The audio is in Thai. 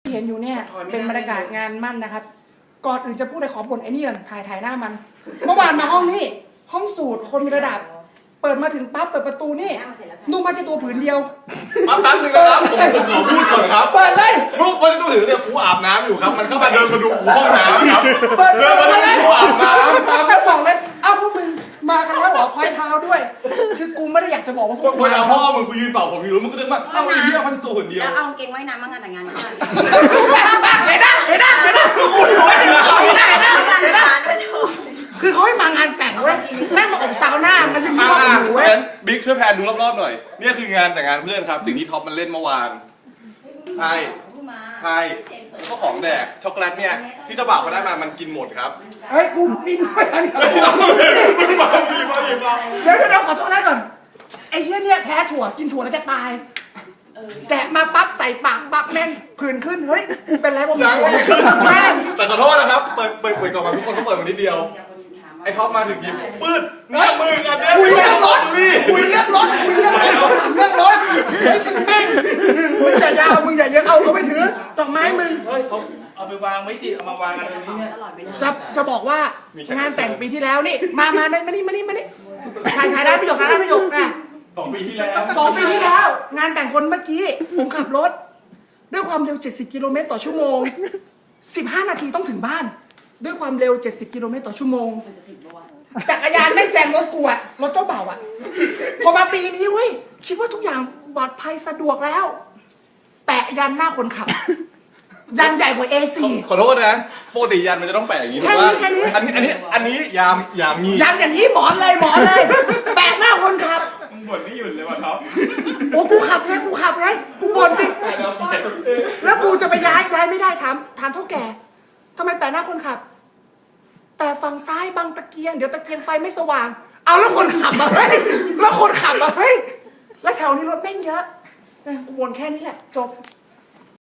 ที่เห็นอยู่เนี่ยเป็นบรรยากาศงานมั่นนะครับก่อนอื่นจะพูดอะไรขอบ่นไอ้นี่ก่อนถ่ายหน้ามันเมื่อวานมาห้องนี้ห้องสูตรคนมีระดับเปิดมาถึงปั๊บเปิดประตูนี่นุ่งผ้าเช็ดตัวผืนเดียวแป๊บนึงนะครับผมขอพูดก่อนครับเปิดเลยลูกมันจะต้องถือเนี่ยกูอาบน้ำอยู่ครับมันเข้ามาเดินมาดูกูห้องน้ำครับเปิดเดินมาดูกูอาบน้ำครับแล้วบอกเลยเอ้าพวกมึงมากันแล้วเหรอพอยเท้าด้วยคือกูไม่ได้อยากจะบอกว่าพวกกูจะพ่อมึงกูยืนเป่าผมอยู่แล้วมึงก็เดินมาเอ้าไอ้เหี้ยมันตัวคนเดียวแล้วเอาเกงไว้น้ำมางานแต่งงานกันเห็นได้คือเขาให้มางานแต่งเว้ยแม่งมาอบซาวน่ามันจะมีว่าอยู่เว้ยบิ๊กช่วยแพนดูรอบๆหน่อยนี่คืองานแต่งงานเพื่อนครับสิ่งที่ท็อปมันเล่นเมื่อวานใช่ก็ของแดกช็อกโกแลตเนี่ยที่เจ้าบ่าวเขาได้มามันกินหมดครับเฮ้ยกูบินไปอันนี้เดี๋ยวขอโทษนะก่อนไอ้เหี้ยเนี่ยแพ้ถั่วกินถั่วแล้วจะตายแกะมาปั๊บใส่ปากปั๊บแม่งผื่นขึ้นเฮ้ยกูเป็นไรบ้างแม่งแต่ขอโทษนะครับเปิดกล่องมาทุกคนเขาเปิดมานิดเดียวไอ้ท็อปมาถึงหยิบปืดหน้ามือกันเนี่ยคุยเรื่องรถคุยเรื่องรถแม่งมึงอย่ายาวมึงอย่าเยอะเอาเขาไม่ถือดอกไม้มึงเฮ้ยเขาเอาไปวางไม่ติเอามาวางกันตรงนี้เนี่ยจะบอกว่างานแต่งปีที่แล้วนี่มานี่ถ่ายได้ประโยคนะ 2 ปีที่แล้วงานแต่งคนเมื่อกี้ผมขับรถด้วยความเร็ว70กิโลเมตรต่อชั่วโมง15นาทีต้องถึงบ้านด้วยความเร็ว70กิโลเมตรต่อชั่วโมงจักรยานไม่แซงรถกูอะรถเจ้าบ่าวอะพอมาปีนี้เว้ยคิดว่าทุกอย่างปลอดภัยสะดวกแล้วแปะยันหน้าคนขับยันใหญ่กว่า A4 ขอโทษนะปกติยันมันจะต้องแปะอย่างนี้ถูกป่ะอันนี้ยามมียันอย่างนี้หมอนเลยแปะหน้าคนขับมึงบ่นไม่หยุดเลยว่ะท็อปโอ้กูขับไงกูบ่นดิแล้วกูจะไปย้ายไม่ได้ถามเท่าแก่ทำไมแปะหน้าคนขับแปะฝั่งซ้ายบังตะเกียงเดี๋ยวตะเกียงไฟไม่สว่างเอาแล้วคนขับมาเฮ้ยแล้วแถวนี้รถแม่งเยอะกูบ่นแค่นี้แหละจบ